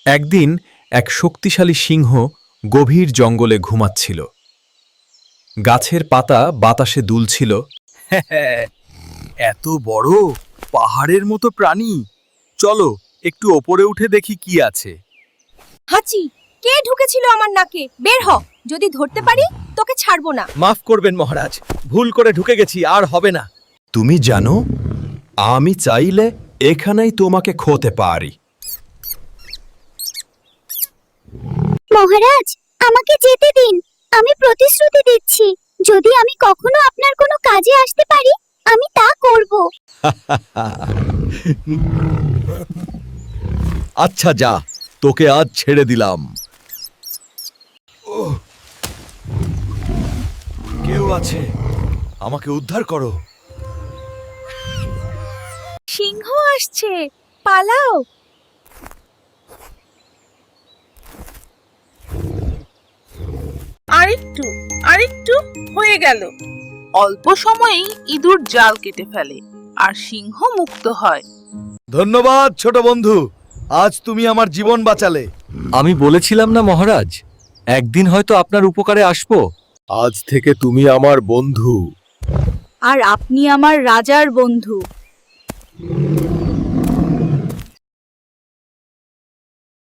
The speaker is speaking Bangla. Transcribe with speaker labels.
Speaker 1: একদিন এক শক্তিশালী সিংহ গভীর জঙ্গলে ঘুমাচ্ছিল। গাছের পাতা বাতাসে দুলছিল।
Speaker 2: এত বড় পাহাড়ের মতো প্রাণী, চলো একটু ওপরে উঠে দেখি কি আছে।
Speaker 3: হাঁচি, কে ঢুকেছিল আমার নাকে? বের হ, যদি ধরতে পারি তোকে ছাড়বো না।
Speaker 2: মাফ করবেন মহারাজ, ভুল করে ঢুকে গেছি, আর হবে না।
Speaker 1: তুমি জানো, আমি চাইলে এখানেই তোমাকে খেতে পারি।
Speaker 4: মহারাজ, আমাকে যেতে দিন। আমি প্রতিশ্রুতি দিচ্ছি, যদি আমি কখনো আপনার কোনো কাজে আসতে পারি, আমি তা করব।
Speaker 2: আচ্ছা যা, তোকে আজ ছেড়ে দিলাম। কেউ আছে, আমাকে উদ্ধার করো।
Speaker 3: সিংহ আসছে, পালাও।
Speaker 5: আরেকটু আরেকটু হয়ে গেল। অল্প সময়েই ইঁদুর জাল কেটে ফেলে আর সিংহ মুক্ত হয়।
Speaker 2: ধন্যবাদ ছোট বন্ধু, আজ তুমি আমার জীবন বাঁচালে।
Speaker 6: আমি বলেছিলাম না মহারাজ, একদিন হয়তো আপনার উপকারে আসব।
Speaker 2: আজ থেকে তুমি আমার বন্ধু।
Speaker 3: আর আপনি আমার রাজার বন্ধু।